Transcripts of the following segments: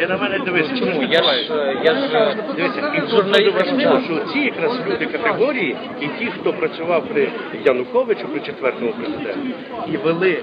Ти на мене дивись, чому? Дивися, і дуже важливо, що ці якраз люди категорії, і ті, хто працював при Януковичу, при четвертому президенті, і вели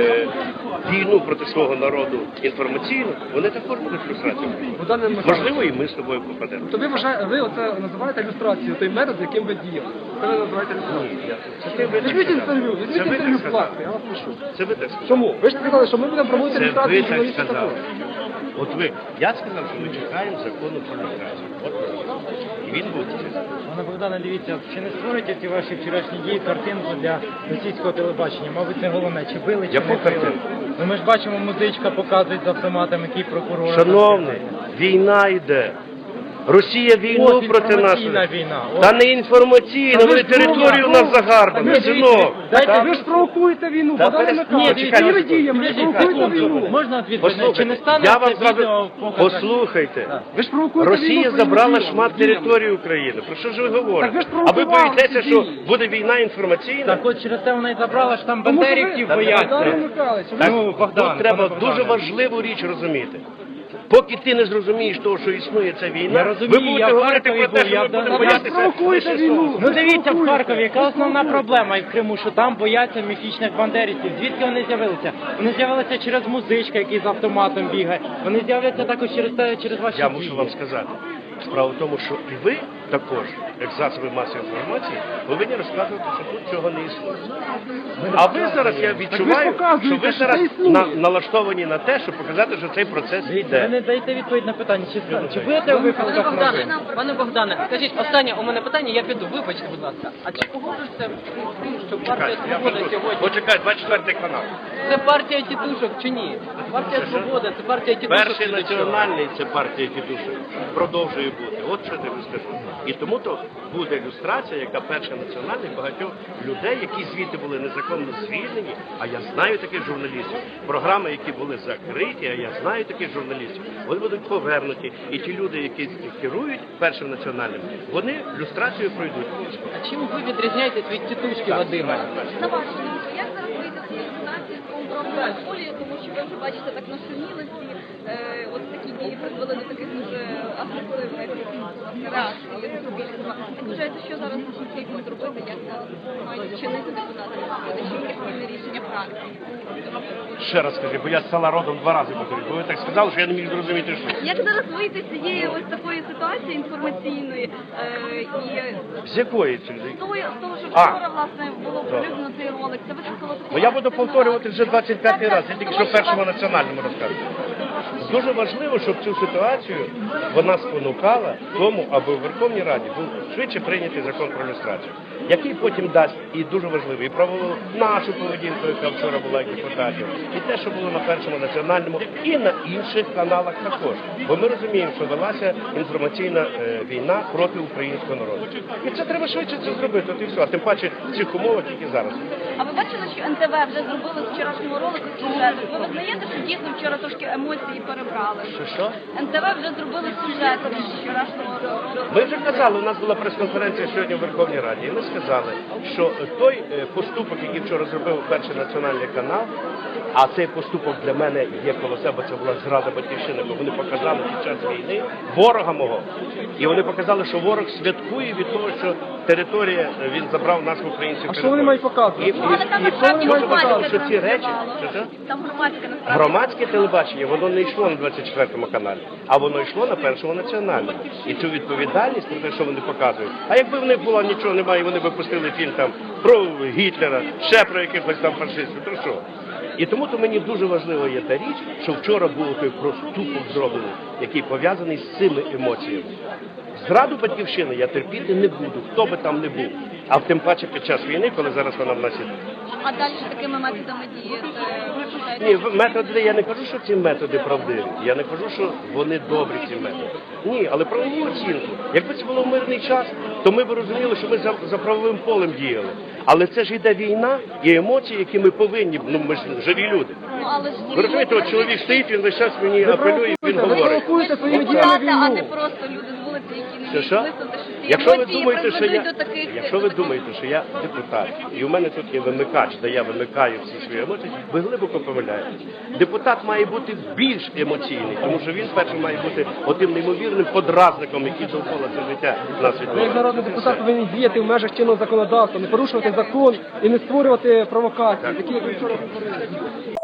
війну проти свого народу інформаційно, вони також будуть люстрацією. Можливо, і ми з тобою попадемо. То ви оце називаєте ілюстрацією, той метод, яким ви діяли. Це ви називаєте ілюстрацією. Візьміть інтерв'ю, власне, я вас прошу. Це ви так сказали. Чому? Ви ж сказали, що ми будемо проводити Це ілюстрацію ви так журналістів сказали. також. От ви, я сказав, що ми чекаємо закону про люстрацію. От і він буде. Пане Богдане, дивіться, чи не створюєте ці ваші вчорашні дії картинку для російського телебачення? Мабуть, це головне, чи били, чи Яку не били? картинку? Ну ми ж бачимо, музичка показує з автоматом, який прокурор. Шановний, війна йде. Росія війну проти нас. Війна. Та не інформаційна, вони територію у нас загарбані, синок. Дайте, ви ж провокуєте війну, Богдан Михайлович. Своїми діями провокуєте війну. Можна відповідати? Чи не стане я вам це відео зразу... показати? Послухайте. Ви ж провокуєте Росія війну забрала своїми шмат діями. території України. Про що ж ви Так ви говорите? ж А ви провокували боїтеся, ці що дії. буде війна інформаційна? Так от через це вона і забрала, що там Тому що ви- бандерівців Богдан бояться. Михайлович, ви- Так, Ну, Богдан, тут треба пане дуже Богдане. важливу річ розуміти. Поки ти не зрозумієш того, що існує ця війна, Я розумію, ви я будете в говорити Харкові про те, був, що я ми в будемо Донбасі. боятися. Провокуєте лише війну. слова. Ну дивіться в Харкові, яка основна проблема і в Криму, що там бояться міфічних бандерівців. Звідки вони з'явилися? Вони з'явилися через музичка, який з автоматом бігає. Вони з'являться також через ваші Я дії. мушу вам сказати. Справа в тому, що і ви також, як засоби масової інформації, повинні розказувати, що тут цього не існує. А ви зараз, я відчуваю, показуєте, що ви що зараз це існує. налаштовані на те, щоб показати, що цей процес Ви йде. не даєте відповідь на питання, чи будете у випадках новин? Пане Богдане, скажіть, останнє у мене питання, я піду, вибачте, будь ласка. А чи погоджуєшся, що партія Я Свобода веду. сьогодні? Почекай, 24 канал. Це партія тітушок чи ні? Партія Свобода, це партія тітушок. Перший чи до чого? національний це партія тітушок. Продовжує бути. От що я тобі скажу. І тому то буде ілюстрація, яка перша національна багатьох людей, які звідти були незаконно звільнені, а я знаю таких журналістів. Програми, які були закриті, а я знаю таких журналістів, вони будуть повернуті. І ті люди, які керують першим національним, вони люстрацію пройдуть. А чим ви відрізняєтесь від тітушки Вадима? На вашу думку, як зараз вийти з цієї ситуації з правовою полією, тому що ви вже бачите, так нашуміли всі, от такі дії призвели до таких дуже агресивних реакцій суспільства. Як вважаєте, що зараз потрібно зробити, як зараз мають чинити депутати, що яке спільне рішення фракції? Ще раз скажи, бо я з села родом 2 рази повторюю, бо ви так сказали, що я не міг зрозуміти, що. Як зараз вийти з цієї ось такої ситуації інформаційної і З якої цієї? з того, що А. вчора, власне, було оприлюднено цей ролик, це викликало таку... Бо я буду повторювати вже 25-й раз, я тільки що першому національному розказую. Дуже важливо, щоб цю ситуацію вона спонукала тому, аби у Верховній Раді був швидше прийнятий закон про люстрацію, який потім дасть, і дуже важливо, і правову нашу поведінку, яка вчора була як депутатів, і те, що було на першому національному, і на інших каналах також. Бо ми розуміємо, що велася інформаційна війна проти українського народу. І це треба швидше це зробити, от і все. А тим паче в цих умовах, які зараз. А ви бачили, що НТВ вже зробили з вчорашнього ролику сюжет? Ви визнаєте, що дійсно вчора трошки емоції перебрали? Що? НТВ вже зробили сюжет з вчорашнього ролику. Ми вже казали, у нас була прес-конференція сьогодні в Верховній Раді, і ми сказали, що той поступок, який вчора зробив перший національний канал, а цей поступок для мене є коло себе, це була зрада батьківщини, бо вони показали під час війни ворога мого. І вони показали, що ворог святкує від того, що територія, він забрав нас в українську територію. що вони мають показувати? І Але там насправді дуже важливо, громадське що ці речі, транслювало. Там громадське насправді. громадське телебачення, воно не йшло на 24-му каналі, а воно йшло на першому національному. І цю відповідальність про те, що вони показують. А якби в них було нічого немає, вони б пустили фільм там про Гітлера, ще про якихось там фашистів, то що? І тому то мені дуже важливо є та річ, що вчора був той проступок зроблений, який пов'язаний з цими емоціями. Зраду батьківщини я терпіти не буду, хто би там не був. А тим паче під час війни, коли зараз вона в нас іде. А далі такими методами діяти? Ні, методи, я не кажу, що ці методи правдиві. Я не кажу, що вони добрі, ці методи. Ні, але правову оцінку. Якби це було в мирний час, то ми б розуміли, що ми за правовим полем діяли. Але це ж йде війна і емоції, які ми повинні, ми ж живі люди. Ну, але ж Ви розумієте, от чоловік стоїть, він весь час мені апелює, він Ви говорить. провокуєте своїми діями депутати, а не війну. просто люди з вулиці, які не Що, вміють що? висловити, що ці Якщо ви емоції думаєте, що призведуть я, до таких... якщо ви думаєте, що я депутат, і у мене тут є вимикач, де я вимикаю всі свої емоції, ви глибоко помиляєтесь. Депутат має бути більш емоційний, тому що він перше має бути отим неймовірним подразником, який довкола це життя нас Ви як відбувається. народний депутат повинні діяти в межах чинного законодавства, не порушувати закон і не створювати провокації, такі як ви вчора говорили.